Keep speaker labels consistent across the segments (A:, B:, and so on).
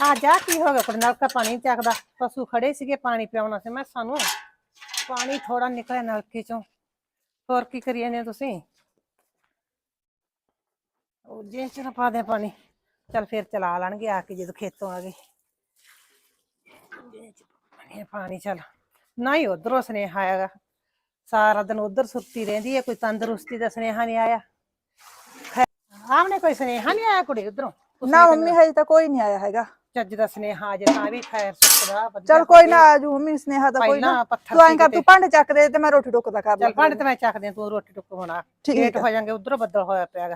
A: ਆ ਜਾ ਕੀ ਹੋ ਗਿਆ? ਨਲਕਾ ਪਾਣੀ ਚੱਕਦਾ। ਪਸ਼ੂ ਖੜੇ ਸੀਗੇ ਪਾਣੀ ਪਿਆਉਣਾ ਸੀ ਮੈਂ ਸਾਨੂੰ। ਪਾਣੀ ਥੋੜਾ ਨਿਕਲਿਆ ਨਲਕੇ ਚੋਂ। ਹੋਰ ਕੀ ਕਰੀ ਜਾਂਦੇ ਤੁਸੀਂ? ਉਹ ਜੇ ਚ ਨਾ ਪਾ ਦੇ ਪਾਣੀ। ਚੱਲ ਫਿਰ ਚਲਾ ਲੈਣਗੇ ਆ ਕੇ ਜਦੋਂ ਖੇਤੋਂ ਆ ਗਏ। ਪਾਣੀ ਚੱਲ ਨਾ ਹੀ ਉਧਰੋਂ ਸੁਨੇਹਾ ਆਏਗਾ। ਸਾਰਾ ਦਿਨ ਉਧਰ ਸੁੱਤੀ ਰਹਿੰਦੀ ਹੈ, ਕੋਈ ਤੰਦਰੁਸਤੀ ਦਾ ਸੁਨੇਹਾ ਨਹੀਂ ਆਇਆ। ਆਮਨੇ ਕੋਈ ਸੁਨੇਹਾ ਨਹੀਂ ਆਇਆ ਕੁੜੀ ਉਧਰੋਂ?
B: ਨਾ ਮੰਮੀ ਹਜੇ ਤਾਂ ਕੋਈ ਨਹੀਂ ਆਇਆ ਹੈਗਾ।
A: ਚੱਜ ਦਾ ਸੁਨੇਹਾ ਆ ਜੇ ਤਾਂ ਵੀ ਖੈਰ ਸੁੱਕਦਾ।
B: ਚੱਲ ਕੋਈ ਨਾ ਆਜੂ ਮੰਮੀ, ਸੁਨੇਹਾ ਤਾਂ ਕੋਈ ਨਾ। ਤੂੰ ਐਂ ਕਰ, ਤੂੰ ਭਾਂਡੇ ਚੱਕ ਦੇ ਤੇ ਮੈਂ ਰੋਟੀ ਟੁੱਕ ਦਾ ਕਰ ਲਾਂ।
A: ਚੱਲ ਭਾਂਡੇ ਤੇ ਮੈਂ ਚੱਕਦੀ ਆ, ਤੂੰ ਰੋਟੀ ਟੁੱਕ ਹੋਣਾ ਲੇਟ ਹੋ ਜਾਣਗੇ। ਉਧਰੋਂ ਬੱਦਲ ਹੋਇਆ ਪਿਆਗਾ।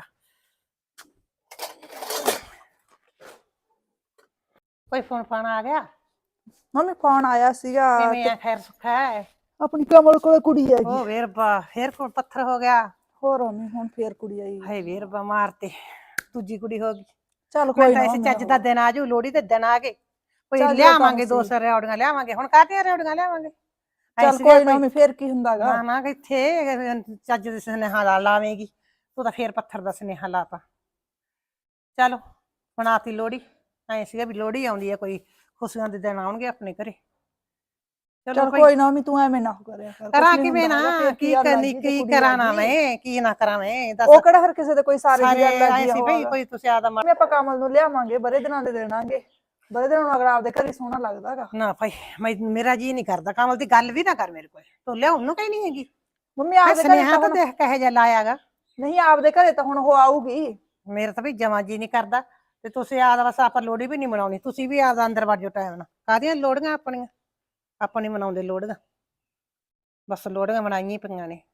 A: ਕੋਈ ਫੋਨ ਫਾਨ ਆ ਗਿਆ?
B: ਮੰਮੀ ਫੋਨ ਆਇਆ ਸੀਗਾ।
A: ਕਿਵੇਂ ਆ? ਖੈਰ ਸੁੱਖਾ ਹੈ?
B: ਆਪਣੀ ਕਮਲ ਕੋਲ ਕੁੜੀ ਹੈਗੀ।
A: ਉਹ ਵੇਰਬਾ ਫੇਰ ਕੋਲ ਪੱਥਰ ਹੋ ਗਿਆ।
B: ਹੋਰ ਮੰਮੀ ਹੁਣ ਫੇਰ ਕੁੜੀ ਆਈ।
A: ਹਾਏ ਵੇਰਬਾ ਮਾਰਤੇ, ਦੂਜੀ ਕੁੜੀ ਹੋ ਗਈ।
B: ਚੱਲ ਕੋਈ ਨਾ,
A: ਇਸ ਚੱਜ ਦਾ ਦਿਨ ਆਜੂ, ਲੋਹੜੀ ਦੇ ਦਿਨ ਆ ਗਏ। ਕੋਈ ਲਿਆਵਾਂਗੇ 200 ਰਿਓੜੀਆਂ ਲਿਆਵਾਂਗੇ। ਹੁਣ ਕਾਹਦੀਆਂ ਰਿਓੜੀਆਂ ਲਿਆਵਾਂਗੇ?
B: ਚੱਲ ਕੋਈ ਨਾ ਮੰਮੀ, ਫੇਰ ਕੀ ਹੁੰਦਾਗਾ।
A: ਨਾ ਨਾ ਕਿੱਥੇ ਚੱਜ ਦੇ ਸੁਨੇਹਾ ਲਾਵੇਂਗੀ ਤੂੰ ਤਾਂ। ਫੇਰ ਪੱਥਰ ਦਾ ਸੁਨੇਹਾ ਲਾਤਾ। ਚਲੋ ਬਣਾਤੀ ਲੋਹੜੀ। ਐ ਸੀਗਾ ਵੀ ਲੋਹੜੀ ਆਉਂਦੀ ਹੈ, ਕੋਈ ਖੁਸ਼ੀਆਂ ਦੇ ਦਿਨ ਆਉਣਗੇ ਆਪਣੇ ਘਰੇ।
B: ਚਲ ਕੋਈ ਨਾ ਮੰਮੀ, ਤੂੰ ਐਵੇਂ ਨਾ ਕਰਿਆ ਕਰ।
A: ਕਰਾਂ ਕਿਵੇਂ ਨਾ? ਕੀ ਕਰਨੀ, ਕੀ ਕਰਾਂ ਨਾ ਮੈਂ, ਕੀ ਨਾ ਕਰਾਂ ਮੈਂ? ਦੱਸ।
B: ਉਹ ਕਿਹੜਾ ਹਰ ਕਿਸੇ ਦੇ ਕੋਈ ਸਾਰੇ ਦੀ ਗੱਲ ਲੱਗੀ
A: ਸੀ ਬਈ, ਕੋਈ ਤੁਸੀਂ ਆਦਾ
B: ਮੈਂ ਆਪਾਂ ਕਮਲ ਨੂੰ ਲਿਆਵਾਂਗੇ, ਬੜੇ ਦਿਨਾਂ ਦੇ ਦੇਣਾਂਗੇ। ਬੜੇ ਦਿਨਾਂ ਨੂੰ ਅਗਰ ਆਪਦੇ ਘਰੇ ਸੋਹਣਾ ਲੱਗਦਾਗਾ।
A: ਨਾ ਭਾਈ ਮੇਰਾ ਜੀ ਨਹੀਂ ਕਰਦਾ। ਕਮਲ ਦੀ ਗੱਲ ਵੀ ਨਾ ਕਰ ਮੇਰੇ ਕੋਲ। ਤੂੰ ਲਿਆਉਣ ਨੂੰ ਕਹੀ ਨਹੀਂ ਹੈਗੀ
B: ਮੰਮੀ। ਆਪਦੇ
A: ਸੁਨੇਹਾ ਤਾਂ ਦੇਖ ਕਹੇ ਜਿਹਾ ਲਾਇਆਗਾ।
B: ਨਹੀਂ ਆਪਦੇ ਘਰੇ ਤਾਂ ਹੁਣ ਉਹ ਆਊਗੀ।
A: ਮੇਰਾ ਤਾਂ ਵੀ ਜਮਾਂ ਜੀ ਨਹੀਂ ਕਰਦਾ। ਤੇ ਤੁਸੀਂ ਆਦਾ ਬਸ ਆਪਾਂ ਲੋਹੜੀ ਵੀ ਨਹੀਂ ਮਨਾਉਣੀ। ਤੁਸੀਂ ਵੀ ਆਦਾ ਅੰਦਰ ਵੜ ਜਾਓ ਟਾਈਮ ਨਾਲ। ਕਾਹਦੀਆਂ ਲੋਹੜੀਆਂ ਆਪਣੀਆਂ? ਆਪਾਂ ਨਹੀਂ ਮਨਾਉਂਦੇ ਲੋਹੜੀਆਂ। ਬਸ ਲੋਹੜੀਆਂ ਮਨਾਈਆਂ ਪਈਆਂ ਨੇ।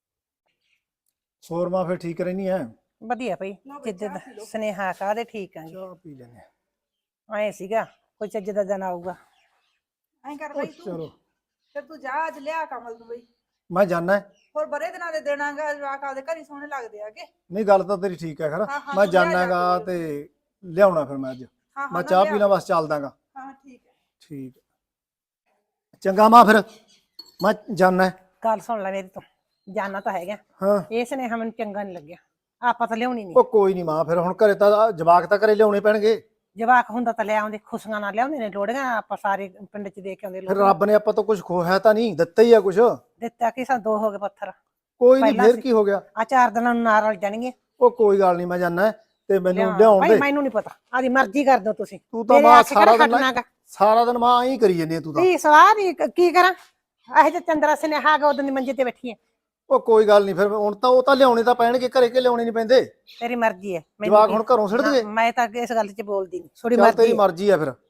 C: ਹੋਰ ਮਾਂ ਫਿਰ ਠੀਕ ਰਹਿਨੀ ਹੈ?
A: ਵਧੀਆ ਭਾਈ, ਜਿੱਦ ਸੁਨੇਹਾ ਕਾਹਦੇ ਠੀਕ ਆ।
C: ਚਾਹ ਪੀ ਲੈਨੇ
A: ਐ ਸੀਗਾ ਕੋਈ ਚੱਜ ਦਾ ਦਿਨ ਆਊਗਾ।
B: ਐਂ ਕਰ ਬਈ ਤੂੰ,
C: ਚਲੋ
B: ਫਿਰ ਤੂੰ ਜਾ ਅੱਜ ਲਿਆ ਕਮਲ ਨੂੰ ਬਈ।
C: ਮੈਂ ਜਾਣਾ।
B: ਹੋਰ ਬੜੇ ਦਿਨਾਂ ਦੇ ਦੇਣਾਗਾ, ਜਵਾਕ ਆਪਦੇ ਘਰੇ ਸੋਹਣੇ ਲੱਗਦੇ ਆਗੇ।
C: ਨਹੀਂ ਗੱਲ ਤਾਂ ਤੇਰੀ ਠੀਕ ਹੈ ਖਰ। ਮੈਂ ਜਾਣਾਗਾ ਤੇ ਲਿਆਉਣਾ ਫਿਰ ਮੈਂ ਅੱਜ। ਮੈਂ ਚਾਹ ਪੀਣਾ ਬਸ ਚੱਲਦਾਗਾ।
B: ਹਾਂ ਠੀਕ ਹੈ।
C: ਠੀਕ ਚੰਗਾ ਮਾਂ, ਫਿਰ ਮੈਂ ਜਾਣਾ।
A: ਗੱਲ ਸੁਣ ਲੈ ਮੇਰੀ ਤੋਂ, ਜਾਣਾ ਤਾਂ ਹੈਗਾ।
C: ਹਾਂ
A: ਇਹ ਸੁਨੇਹਾ ਮੈਨੂੰ ਚੰਗਾ ਨਹੀਂ ਲੱਗਿਆ। ਆਪਾਂ ਤਾਂ ਲਿਆਉਣੀ ਨਹੀਂ।
C: ਉਹ ਕੋਈ ਨਹੀਂ ਮਾਂ, ਫਿਰ ਹੁਣ ਘਰੇ ਤਾਂ ਜਵਾਕ ਤਾਂ ਘਰੇ ਲਿਆਉਣੇ ਪੈਣਗੇ।
A: ਜਵਾਕ ਹੁੰਦਾ ਤਾਂ ਲੈ ਆਉਂਦੇ, ਖੁਸ਼ੀਆਂ ਨਾਲ ਲਿਆਉਂਦੇ ਨੇ ਲੋਹੜੀਆਂ। ਆਪਾਂ ਸਾਰੇ ਪਿੰਡ ਚ ਦੇ ਕੇ ਆਉਂਦੇ।
C: ਫਿਰ ਰੱਬ ਨੇ ਆਪਾਂ ਤੋਂ ਕੁਝ ਖੋਇਆ ਤਾਂ ਨਹੀਂ, ਦਿੱਤਾ ਹੀ ਆ ਕੁਝ।
A: ਦਿੱਤਾ ਕਿ ਸਾਨੂੰ 2 ਹੋ ਗਏ ਪੱਥਰ।
C: ਕੋਈ ਨਹੀਂ, ਫਿਰ ਕੀ ਹੋ ਗਿਆ?
A: ਆ 4 ਦਿਨਾਂ ਨੂੰ ਨਾਲ ਰਲ ਜਾਣਗੇ।
C: ਉਹ ਕੋਈ ਗੱਲ ਨਹੀਂ, ਮੈਂ ਜਾਣਾ ਤੇ ਮੈਨੂੰ ਲਿਆਉਣ ਦੇ।
A: ਮੈਨੂੰ ਨਹੀਂ ਪਤਾ, ਆਦੀ ਮਰਜ਼ੀ ਕਰ ਦੋ ਤੁਸੀਂ।
C: ਤੂੰ ਤਾਂ ਮਾਂ ਸਾਰਾ ਦਿਨ ਮਾਂ ਹੀ ਕਰੀ ਜਾਂਦੀ ਤੂੰ ਤਾਂ।
A: ਕੀ ਸਵਾਦ ਕੀ ਕਰਾਂ? ਇਹੋ ਜਿਹਾ ਚੰਦਰਾ ਸੁਨੇਹਾ ਗਾ, ਉਦੋਂ ਦੀ ਮੰਜੇ ਤੇ ਬੈਠੀ ਐ।
C: ਉਹ ਕੋਈ ਗੱਲ ਨਹੀਂ, ਫਿਰ ਹੁਣ ਤਾਂ ਉਹ ਤਾਂ ਲਿਆਉਣੇ ਤਾਂ ਪੈਣਗੇ ਘਰੇ, ਕੇ ਲਿਆਉਣੇ ਨਹੀਂ ਪੈਂਦੇ।
A: ਤੇਰੀ ਮਰਜ਼ੀ ਹੈ।
C: ਜਵਾਕ ਹੁਣ ਘਰੋਂ ਸਿੱਟ ਦਈਏ?
A: ਮੈਂ ਤਾਂ ਇਸ ਗੱਲ 'ਚ ਬੋਲਦੀ ਨਹੀਂ। ਥੋੜੀ
C: ਮਰਜ਼ੀ, ਤੇਰੀ ਮਰਜ਼ੀ ਆ ਫਿਰ।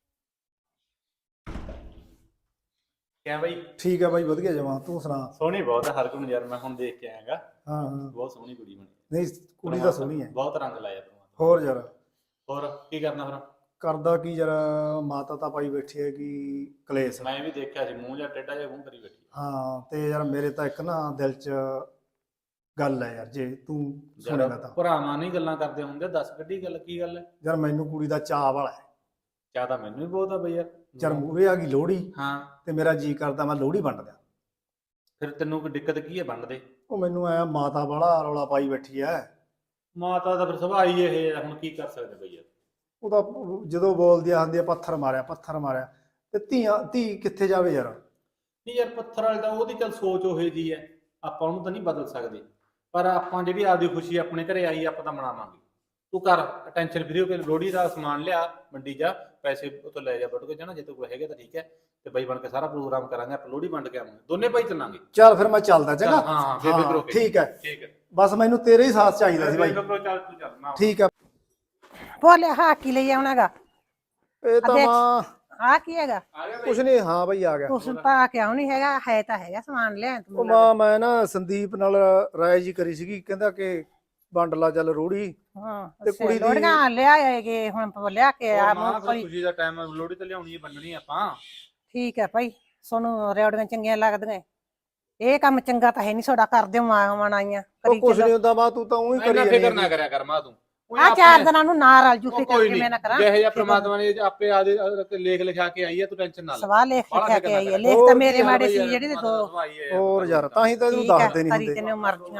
D: ਕਿਆ ਬਾਈ?
C: ਠੀਕ ਹੈ ਬਾਈ, ਵਧੀਆ ਜਮਾ। ਤੂੰ ਸੁਣਾ?
D: ਸੋਹਣੀ ਬਹੁਤ ਹੈ ਹਰਗੁਣ ਯਾਰ, ਮੈਂ ਹੁਣ ਦੇਖ ਕੇ ਆਇਆਗਾ।
C: ਹਾਂ ਹਾਂ
D: ਬਹੁਤ ਸੋਹਣੀ ਕੁੜੀ ਬਣੀ।
C: ਨਹੀਂ ਕੁੜੀ ਤਾਂ ਸੋਹਣੀ ਹੈ।
D: ਬਹੁਤ ਰੰਗ ਲਾਇਆ ਤੂੰ।
C: ਹੋਰ ਯਾਰ
D: ਹੋਰ ਕੀ ਕਰਨਾ ਫਿਰ?
C: ਕਰਦਾ ਕੀ ਯਾਰ, ਮਾਤਾ ਤਾਂ ਪਾਈ ਬੈਠੀ ਹੈ ਕਿ ਕਲੇਸ਼।
D: ਮੈਂ ਵੀ ਦੇਖਿਆ ਸੀ, ਮੂੰਹ ਜਾਂ ਟੇਢਾ ਜਿਹਾ ਮੂੰਹ ਕਰੀ ਬੈਠੀ।
C: ਹਾਂ ਤੇ ਯਾਰ ਮੇਰੇ ਤਾਂ ਇੱਕ ਨਾ ਦਿਲ 'ਚ ਗੱਲ ਹੈ ਯਾਰ, ਜੇ ਤੂੰ ਸੁਣੇਗਾ ਤਾਂ।
D: ਭਰਾਵਾਂ ਨਹੀਂ ਗੱਲਾਂ ਕਰਦੇ ਹੁੰਦੇ, ਦੱਸ ਕੱਢੀ ਗੱਲ, ਕੀ ਗੱਲ ਹੈ?
C: ਯਾਰ ਮੈਨੂੰ ਕੁੜੀ ਦਾ ਚਾਅ ਵਾਲਾ ਹੈ।
D: ਚਾਹ ਤਾਂ ਮੈਨੂੰ ਵੀ ਬਹੁਤ ਆ ਬਈ ਯਾਰ।
C: ਯਾਰ ਮੂਹਰੇ ਆ ਗਈ ਲੋਹੜੀ,
D: ਹਾਂ
C: ਤੇ ਮੇਰਾ ਜੀ ਕਰਦਾ ਮੈਂ ਲੋਹੜੀ ਵੰਡ ਦਿਆਂ।
D: ਫਿਰ ਤੈਨੂੰ ਕੋਈ ਦਿੱਕਤ ਕੀ ਹੈ ਵੰਡ ਦੇ?
C: ਉਹ ਮੈਨੂੰ ਆਇਆ ਮਾਤਾ ਵਾਲਾ ਰੌਲਾ ਪਾਈ ਬੈਠੀ ਹੈ।
D: ਮਾਤਾ ਦਾ ਫਿਰ ਸੁਭਾਅ ਹੀ ਇਹ ਹੈ, ਹੁਣ ਕੀ ਕਰ ਸਕਦੇ ਬਈ ਯਾਰ।
C: ਉਹਦਾ ਜਦੋਂ ਬੋਲਦੀ ਆਂਦੀ ਆ ਪੱਥਰ ਮਾਰਿਆ ਪੱਥਰ ਮਾਰਿਆ, ਤੇ ਧੀ ਕਿੱਥੇ ਜਾਵੇ ਯਾਰ।
D: ਨਹੀਂ ਯਾਰ, ਪੱਥਰ ਵਾਲੇ ਤਾਂ ਉਹਦੀ ਚੱਲ ਸੋਚ ਉਹੇ ਜੀ ਹੈ, ਆਪਾਂ ਉਹਨੂੰ ਤਾਂ ਨਹੀਂ ਬਦਲ ਸਕਦੇ। ਪਰ ਆਪਾਂ ਜਿਹੜੀ ਆਪਦੀ ਖੁਸ਼ੀ ਆਪਣੇ ਘਰੇ ਆਈ ਆਪਾਂ ਤਾਂ ਮਨਾਵਾਂਗੇ। ਤੂੰ ਕਰ ਟੈਨਸ਼ਨ ਫਰੀ ਹੋ ਕੇ ਲੋਹੜੀ ਦਾ ਸਮਾਨ ਲਿਆ, ਮੰਡੀ ਜਾ, ਪੈਸੇ ਉੱਥੋਂ ਲੈ ਜਾ, ਵੱਢ ਕੇ ਜਾਣਾ। ਜੇ ਤੂੰ ਕੋਲ ਹੈਗੇ ਤਾਂ ਠੀਕ ਹੈ, ਤੇ ਬਾਈ ਬਣ ਕੇ ਸਾਰਾ ਪ੍ਰੋਗਰਾਮ ਕਰਾਂਗੇ। ਆਪਾਂ ਲੋਹੜੀ ਵੰਡ ਕੇ ਆਵਾਂਗੇ, ਦੋਨੇ ਭਾਈ ਚੱਲਾਂਗੇ।
C: ਚੱਲ ਫਿਰ ਮੈਂ ਚੱਲਦਾ। ਚੰਗਾ
D: ਹਾਂ
C: ਠੀਕ ਹੈ।
D: ਠੀਕ ਹੈ,
C: ਬਸ ਮੈਨੂੰ ਤੇਰੇ ਹੀ ਸਾਥ ਚਾਹੀਦਾ ਸੀ ਬਾਈ।
D: ਚੱਲ ਤੂੰ ਚੱਲ ਨਾ।
C: ਠੀਕ ਹੈ।
A: ਬੋਲਿਆ ਹਾਂ ਕੀ ਲਈ ਆਉਣਾਗਾ?
C: ਇਹ ਤਾਂ ਮਾਂ
A: ਆ ਕੀ ਹੈਗਾ?
C: ਕੁਛ ਨਹੀਂ। ਹਾਂ ਬਾਈ ਆ ਗਿਆ।
A: ਕੁਛ ਤਾਂ ਕਿਉਂ ਨਹੀਂ ਹੈਗਾ? ਹੈ ਤਾਂ ਹੈਗਾ ਸਮਾਨ ਲਿਆ
C: ਉਹ ਮਾਂ ਮੈਂ ਨਾ ਸੰਦੀਪ ਨਾਲ ਰਾਏ ਜੀ ਕਰੀ ਸੀਗੀ, ਕਹਿੰਦਾ ਕਿ ਵੰਡ ਲਾ ਚੱਲ ਲੋਹੜੀ।
A: ਹਾਂ
C: ਤੇ ਕੁੜੀ ਦੀ
A: ਲੋੜੀਆਂ ਲਿਆਏਗੇ ਹੁਣ ਲਿਆ ਕੇ ਆ।
D: ਖੁਸ਼ੀ ਦਾ ਟਾਈਮ ਲੋਹੜੀ ਤੇ ਲਿਆਉਣੀ ਹੈ, ਵੰਡਣੀ ਆਪਾਂ।
A: ਠੀਕ ਹੈ ਭਾਈ, ਸੋਨੂੰ ਰਿਓੜੀਆਂ ਚੰਗੀਆਂ ਲੱਗਦੀਆਂ। ਇਹ ਕੰਮ ਚੰਗਾ ਤਾਂ ਹੈ ਨਹੀਂ ਤੁਹਾਡਾ, ਕਰਦੇ ਮਨਾਈਆਂ
C: ਉਹ ਕੁਛ ਨਹੀਂ ਹੁੰਦਾ ਮਾਂ, ਤੂੰ ਤਾਂ ਉਹੀ ਕਰੀ ਜਾਂਦੀ।
D: ਫਿਕਰ ਨਾ ਕਰਿਆ ਕਰ ਮਾਂ ਤੂੰ।
A: ਆ 4 ਦਿਨਾਂ ਨੂੰ ਨਾ ਰਲ ਜੂ, ਫਿਕਰ ਕਿਵੇਂ ਨਾ ਕਰਾਂ।
D: ਜਿਹੇ ਜਿਹਾ ਪ੍ਰਮਾਤਮਾ ਨੇ ਆਪੇ ਆਦੇ ਲੇਖ ਲਿਖਾ ਕੇ ਆਈ ਹੈ, ਤੂੰ ਟੈਨਸ਼ਨ ਨਾ ਲੈ।
A: ਸਵਾਹ ਲਿਖ ਲਿਖਾ ਕੇ ਆਈ ਹੈ। ਲੇਖ ਤਾਂ ਮੇਰੇ ਮਾੜੇ ਸੀ ਜਿਹੜੇ 2।
C: ਹੋਰ ਯਾਰ ਤਾਂ ਹੀ ਤਾਂ ਇਹਨੂੰ ਦੱਸਦੇ ਨਹੀਂ ਹੁੰਦੇ।
A: ਤੈਨੂੰ ਮਰਜ਼ੀਆਂ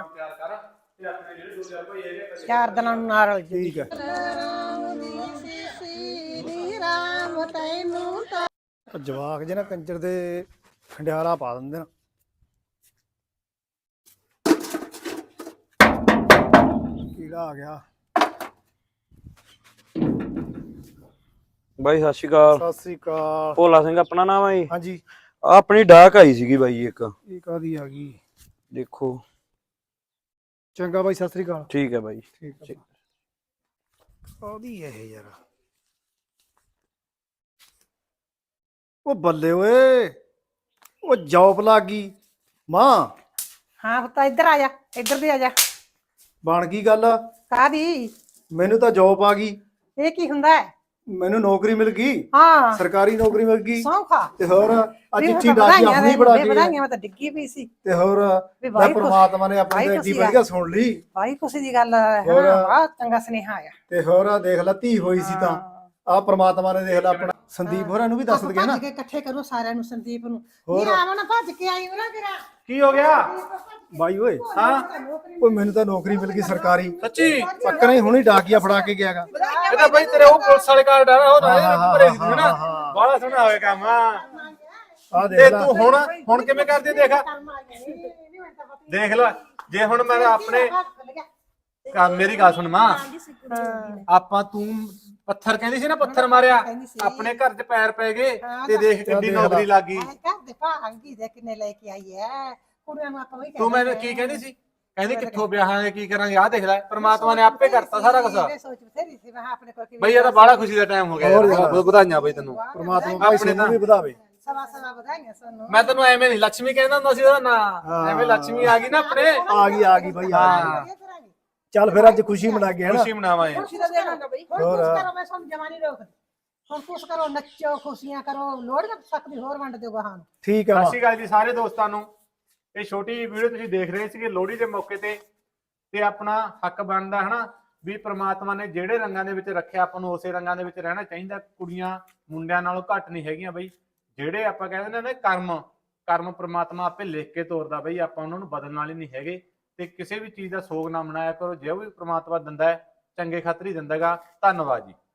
A: 4 ਦਿਨਾਂ ਨੂੰ ਨਾ ਰਲ ਜੂ।
C: ਠੀਕ ਹੈ।
A: ਨਾਮ ਤੈਨੂੰ ਤਾਂ
C: ਉਹ ਜਵਾਕ ਜੇ ਨਾ ਕੰਜਰ ਦੇ ਖੰਡਿਆਰਾ ਪਾ ਦਿੰਦੇ ਨਾ। ਕੀੜਾ ਆ ਗਿਆ।
E: ਬਾਈ ਸਤਿ ਸ਼੍ਰੀ ਅਕਾਲ।
C: ਸਤਿ ਸ੍ਰੀ ਅਕਾਲ।
E: ਭੋਲਾ ਸਿੰਘ ਆਪਣਾ ਨਾਮ ਹੈ ਜੀ।
C: ਹਾਂਜੀ
E: ਆਪਣੀ ਡਾਕ ਆਈ ਸੀਗੀ ਬਾਈ ਇੱਕ,
C: ਇਹ ਕਾਦੀ ਆ ਗਈ?
E: ਦੇਖੋ।
C: ਚੰਗਾ ਬਾਈ, ਸਤਿ ਸ੍ਰੀ ਅਕਾਲ।
E: ਠੀਕ ਹੈ ਬਾਈ।
C: ਠੀਕ ਹੈ। ਕਾਦੀ ਇਹ ਯਾਰ? ਉਹ ਬੱਲੇ ਓਏ, ਉਹ ਜੌਬ ਲੱਗ ਗਈ ਮਾਂ।
A: ਹਾਂ ਪੁੱਤ ਇੱਧਰ ਆ ਜਾ, ਇੱਧਰ ਦੀ ਆ ਜਾ।
C: ਬਣ ਗਈ ਗੱਲ?
A: ਕਾਦੀ?
C: ਮੈਨੂੰ ਤਾਂ ਜੌਬ ਆ ਗਈ।
A: ਇਹ ਕੀ ਹੁੰਦਾ ਹੈ?
C: ਮੈਨੂੰ ਨੌਕਰੀ ਮਿਲ ਗਈ,
A: ਹਾਂ
C: ਸਰਕਾਰੀ ਨੌਕਰੀ ਮਿਲ ਗਈ।
A: ਸੌਖਾ
C: ਤੇ ਹੋਰ ਅੱਜ
A: ਵੀ
C: ਚਿੱਠੀ ਡਾਕੀ ਆਪਣੀ ਬੜਾ ਕੇ।
A: ਵਧਾਈਆਂ, ਮੈਂ ਤਾਂ ਡਿੱਗੀ ਪਈ ਸੀ।
C: ਤੇ ਹੋਰ
A: ਵੀ
C: ਮੈਂ
A: ਬਾਈ
C: ਪ੍ਰਮਾਤਮਾ ਨੇ ਆਪਣੀ
A: ਬਾਈ
C: ਐਡੀ
A: ਖੁਸ਼ੀ ਆ।
C: ਵਧੀਆ ਸੁਣ ਲਈ।
A: ਬਾਈ ਖੁਸ਼ੀ ਦੀ ਗੱਲ ਹੈ।
C: ਹੋਰ?
A: ਹਾਂ ਬਹੁਤ ਚੰਗਾ ਸੁਨੇਹਾ ਆਇਆ।
C: ਤੇ ਹੋਰ ਦੇਖ ਲੈ, ਧੀ ਹੋਈ ਸੀ ਤਾਂ ਆ ਪ੍ਰਮਾਤਮਾ ਨੇ ਦੇਖ ਲੈ ਆਪਣਾ। ਸੰਦੀਪ ਹੋਰਾਂ ਨੂੰ ਵੀ ਦੱਸ ਦਗੇ ਨਾ।
A: ਭੱਜ ਕੇ ਇਕੱਠੇ ਕਰੋ ਸਾਰਿਆਂ ਨੂੰ, ਸੰਦੀਪ ਨੂੰ।
C: ਹੋਰ?
A: ਨਹੀਂ ਆਵਾਂ ਨਾ, ਭੱਜ ਕੇ ਆਈ ਉਹਨਾਂ ਤੇਰਾ।
D: ਕੀ ਹੋ ਗਿਆ?
C: ਬਾਈ ਓਏ,
D: ਹਾਂ
C: ਓਏ ਮੈਨੂੰ ਤਾਂ ਨੌਕਰੀ ਮਿਲ ਗਈ ਸਰਕਾਰੀ।
D: ਸੱਚੀ?
C: ਪੱਕਾ ਹੀ ਹੁਣੀ ਡਾਕੀਆ ਫੜਾ ਕੇ ਗਿਆਗਾ।
D: ਇਹ ਤਾਂ ਬਾਈ ਤੇਰੇ ਉਹ ਪੁਲਿਸ ਵਾਲੇ ਕਾਰਡ ਆ ਉਹ
C: ਹਾਂ,
D: ਨਾ ਭਰੇ ਸੀ ਨਾ। ਬੜਾ ਸੋਹਣਾ ਹੋਇਆ ਕੰਮ।
C: ਆ
D: ਤੇ
C: ਦੇਖ ਲੈ।
D: ਤੂੰ ਹੁਣ ਕਿਵੇਂ ਕਰਦੀ ਦੇਖ ਦੇਖ ਲੈ। ਜੇ ਹੁਣ ਮੈਂ ਆਪਣੇ ਮੇਰੀ ਗੱਲ ਸੁਣ ਮਾਂ, ਆਪਾਂ ਤੂੰ ਪੱਥਰ ਕਹਿੰਦੀ ਸੀ ਨਾ, ਪੱਥਰ ਮਾਰਿਆ ਆਪਣੇ ਘਰ 'ਚ ਪੈਰ ਪੈ ਗਏ ਤੇ ਦੇਖ ਕਿੰਨੀ ਨੌਕਰੀ ਲੱਗ ਗਈ।
A: ਘਰ ਦੇ ਭਾਂਗੀ ਦੇ ਕਿੰਨੇ ਲੈ ਕੇ ਆਈ ਐ ਕੁੜੀਆਂ ਨੂੰ। ਆਪਾਂ ਵੀ
D: ਤੂੰ ਮੈਨੂੰ ਕੀ ਕਹਿੰਦੀ ਸੀ? ਕਹਿੰਦੀ ਕਿੱਥੋਂ ਵਿਆਹਾਂਗੇ, ਕੀ ਕਰਾਂਗੇ? ਆਹ ਦੇਖ ਲੈ, ਪ੍ਰਮਾਤਮਾ ਨੇ ਆਪੇ ਕਰਤਾ ਸਾਰਾ ਕੁਝ।
A: ਸੋਚ ਬਥੇਰੀ ਸੀ, ਮੈਂ ਆਪਣੇ ਕੋਲ
D: ਬਈ ਇਹ ਤਾਂ ਬੜਾ ਖੁਸ਼ੀ ਦਾ ਟਾਈਮ ਹੋ ਗਿਆ ਯਾਰ। ਬਹੁਤ ਵਧਾਈਆਂ ਬਈ ਤੈਨੂੰ।
C: ਪ੍ਰਮਾਤਮਾ ਭਾਈ ਸਾਨੂੰ ਵੀ ਵਧਾਵੇ।
A: ਸਵਾ ਵਧਾਈਆਂ ਸਾਨੂੰ।
D: ਮੈਂ ਤੈਨੂੰ ਐਵੇਂ ਨਹੀਂ ਲక్ష్ਮੀ ਕਹਿੰਦਾ ਹੁੰਦਾ ਸੀ ਉਹਦਾ ਨਾਂ। ਐਵੇਂ ਲక్ష్ਮੀ ਆ ਗਈ ਨਾ ਆਪਣੇ।
C: ਆ ਗਈ ਬਾਈ, ਆ ਗਈ।
D: ਹਾਂ
C: ਚੱਲ ਫਿਰ ਅੱਜ ਖੁਸ਼ੀ ਮਨਾ ਕੇ ਹਨਾ।
D: ਖੁਸ਼ੀ ਮਨਾਵਾਂਗੇ।
A: ਖੁਸ਼ੀ ਦਾ ਦੇਣਾ ਬਈ। ਹੁਣ ਕੁਛ ਕਰੋ, ਮੈਂ ਤੁਹਾਨੂੰ ਜਵਾਨੀ ਰੋਕ। ਹੁਣ ਕੁਛ ਕਰੋ, ਨੱਚੋ, ਖੁਸ਼ੀਆਂ ਕਰੋ, ਲੋੜ ਨਾ ਸਕਦੀ ਹੋਰ ਵੰਡ ਦਿਓ ਗਾਹਾਂ ਨੂੰ।
C: ਠੀਕ ਆ
D: ਸਤਿ
C: ਮਾਂ।
D: ਸ਼੍ਰੀ ਅਕਾਲ ਜੀ ਸਾਰੇ ਦੋਸਤਾਂ ਨੂੰ। ਇਹ ਛੋਟੀ ਵੀਡੀਓ ਤੁਸੀਂ ਦੇਖ ਰਹੇ ਸੀਗੇ ਲੋਹੜੀ ਦੇ ਮੌਕੇ ਤੇ ਆਪਣਾ ਹੱਕ ਬਣਦਾ ਹਨਾ ਵੀ ਪ੍ਰਮਾਤਮਾ ਨੇ ਜਿਹੜੇ ਰੰਗਾਂ ਦੇ ਵਿੱਚ ਰੱਖਿਆ ਆਪਾਂ ਨੂੰ ਉਸੇ ਰੰਗਾਂ ਦੇ ਵਿੱਚ ਰਹਿਣਾ ਚਾਹੀਦਾ। ਕੁੜੀਆਂ ਮੁੰਡਿਆਂ ਨਾਲੋਂ ਘੱਟ ਨਹੀਂ ਹੈਗੀਆਂ ਬਈ। ਜਿਹੜੇ ਆਪਾਂ ਕਹਿੰਦੇ ਨੇ ਕਰਮ ਪ੍ਰਮਾਤਮਾ ਆਪੇ ਲਿਖ ਕੇ ਤੋਰਦਾ ਬਈ। ਆਪਾਂ ਉਹਨਾਂ ਨੂੰ ਬਦਲਣ ਵਾਲੇ ਨਹੀਂ ਹੈਗੇ। ਤੇ ਕਿਸੇ ਵੀ ਚੀਜ਼ ਦਾ ਸੋਗ ਨਾ ਮਨਾਇਆ ਕਰੋ। ਜੋ ਵੀ ਪ੍ਰਮਾਤਮਾ ਦਿੰਦਾ ਹੈ ਚੰਗੇ ਖਾਤਰ ਹੀ ਦਿੰਦਾਗਾ। ਧੰਨਵਾਦ ਜੀ।